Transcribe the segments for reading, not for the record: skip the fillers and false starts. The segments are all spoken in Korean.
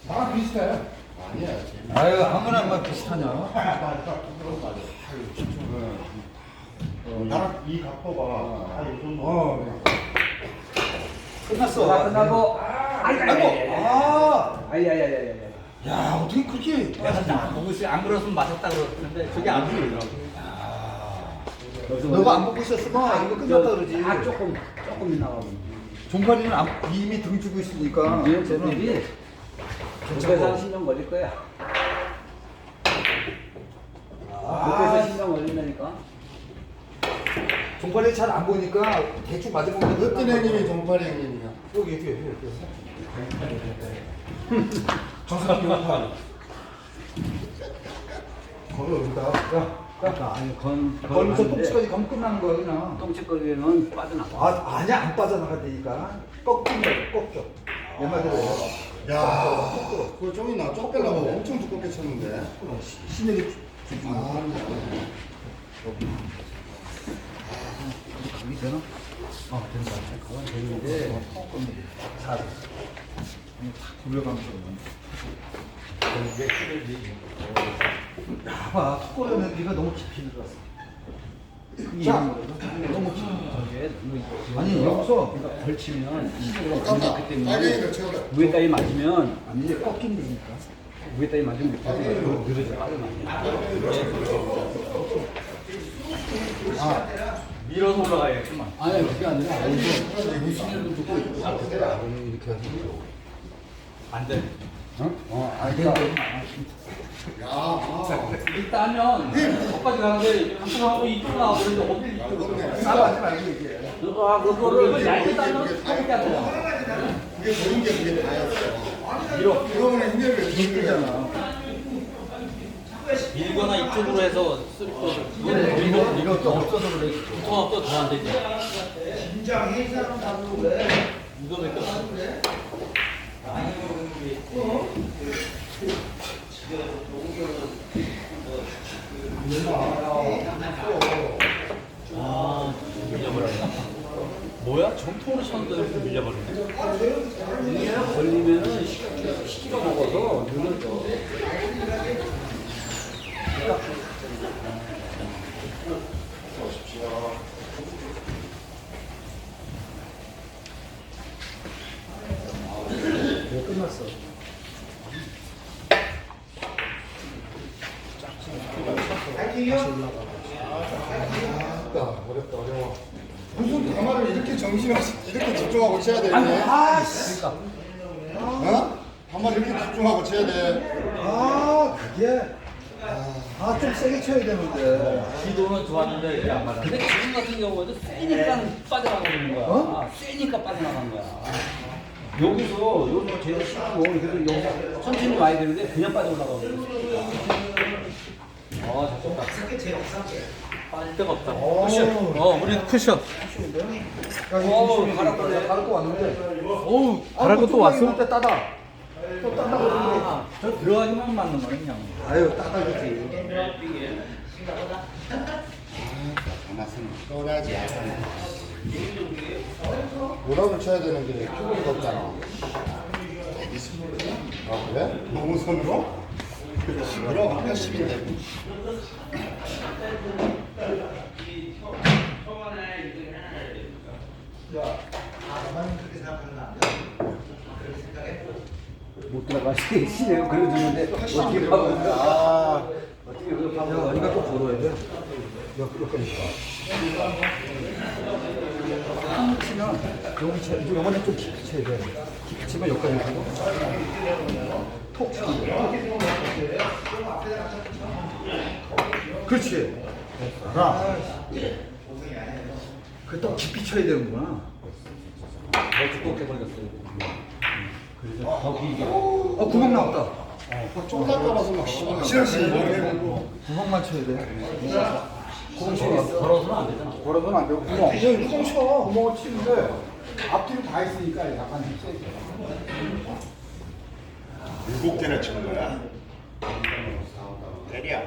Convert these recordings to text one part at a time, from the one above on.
다 비슷해. 아니야. 아유 아무나 막 비슷하냐? 나랑 이 각도가 다이 정도. 끝났어. 다 끝나고. 아이고. 아야야야야. 야 어떻게 그렇게? 안 보고 있어요. 안 그랬으면 맞았다 그러는데 저게 안 보이더라고. 너가 안 보고 있었으면 이거 끝났다 그러지. 아 조금 나가고. 종파리는 이미 등 주고 있으니까. 이제 쟤들이 목에서 신경 걸릴 거야. 목에서 신경 걸린다니까. 종파리 잘 안 보니까 대충 맞아보면 어떤 형님이 종파리 형님이야? 여기 뒤에. 정석이 종파리. 거기 여기다. 그러니까 아니 거기서 똥치까지 가면 끝나는 거야 그냥. 똥치거리는 빠져나가. 아니야 안 빠져나가다니까. 꺾인다 꺾여. 내 말대로. 야, 그거 좀 있나? 쪽 빼려고 엄청 두껍게 쳤는데. 신에게 아, 감이 되나? 된다. 그건 되는데 잘. 탁 굴려가면서. 봐, 턱걸이는 네가 너무 깊이 들어갔어. 자, 너무 깊이. 아니 여기서 그러니까 걸치면 힘으로 깜짝. 그 때문에 빨갱이를 채워라. 위에 따위 맞으면 아니 이제 꺾인다니까. 위에 따위 맞으면 밑에서 늘어져 빠져나가. 밀어서 올라가야겠구만. 아니 그게 아니라 여기서 이렇게 해서. 안 돼. 아니 그러니까 일단은 거기까지 가는데 한쪽 하고 이쪽 나와고 그러는데 어디 이쪽으로 싸워하지 말고 얘기해. 그거를 얇게 따면 가볍게 안 돼요. 그게 좋은 게 그게 다였어. 밀어. 그거는 힘들게 힘들잖아. 밀거나 이쪽으로 해서 쓰리퍼를 이거 또 없어서 그래. 통합 또더안 되지. 이거 몇 개? 아, 밀려버렸나? 뭐야? 정통으로 쳤는데 이렇게 밀려버리네. 이게 걸리면은 시키가 먹어서 늘어져. 이거 끝났어. 어렵다, 어려워. 무슨 가마를 이렇게 정신없이 이렇게 집중하고 쳐야 되는데? 아씨. 어? 가마를 이렇게 집중하고 쳐야 돼. 그게. 좀 세게 쳐야 되는데. 기도는 좋았는데 이게 안 맞아. 근데 지금 같은 경우에도 세니까 빠져나가는 거야. 세니까 빠져나간 거야. 여기서 제일 쉽고 그래도 여기서 천천히 와야 되는데 그냥 빠져 올라가고. 잡혔다. 빠질 데가 없다. 쿠션. 우리 쿠션. 가를 거 왔는데. 어우, 바랄 것도 왔어? 때 따다. 또 따다 그러는데. 저 들어가기만 맞는 거네, 그냥. 아유 따다겠지. 가마선 떠나지 않아. 뭐라고 쳐야 되는데 표본이 없잖아. 아 그래? 너무 손으로? 그럼 80인데. 못 들어가시 시내요 그래주는데 어떻게 파고 어떻게 그걸 파고 네가 또 걸어야 돼. 여기까지. 한 치면 요번에 좀 깊이 쳐야 돼. 깊이 치면 여기까지 가고 톡 치면 돼. 그렇지. 알아. 그또 깊이 쳐야 되는구나. 더 두껍게 걸렸어요. 그래서 더 길게. 구멍 나왔다. 쫄라떨어서 막 시원시원. 구멍만 쳐야 돼. 걸어서는 안 되잖아. 걸어서는 안 되고 구멍. 그냥 구멍 쳐. 구멍을 치는데 앞뒤로 다 있으니까 약간 좀 세게. 7개나 치는 거야? 때려.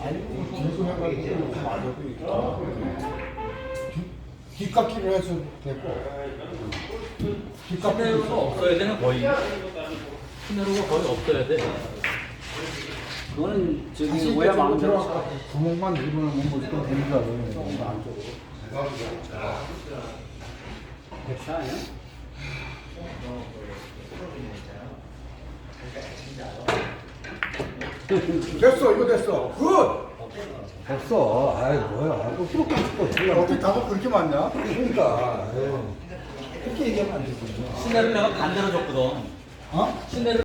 뒷깎이를 해서 됐고. 뒷값도 없어야 되는 거의. 시내로가 거의 없어야 돼. 그거는 저기 다시 오야 이쪽으로 마음대로 들어가. 구멍만 누르면 무조건 되는 줄 알아요. 백사 아니야? 됐어, 이거 됐어. 굿! 됐어. 아이 뭐야. 또 프로그램 찍고 어떻게 답은 그렇게 많냐? 그러니까. 그렇게 얘기하면 안 되지. 시내를 내가 반대로 줬거든. 어? 시내를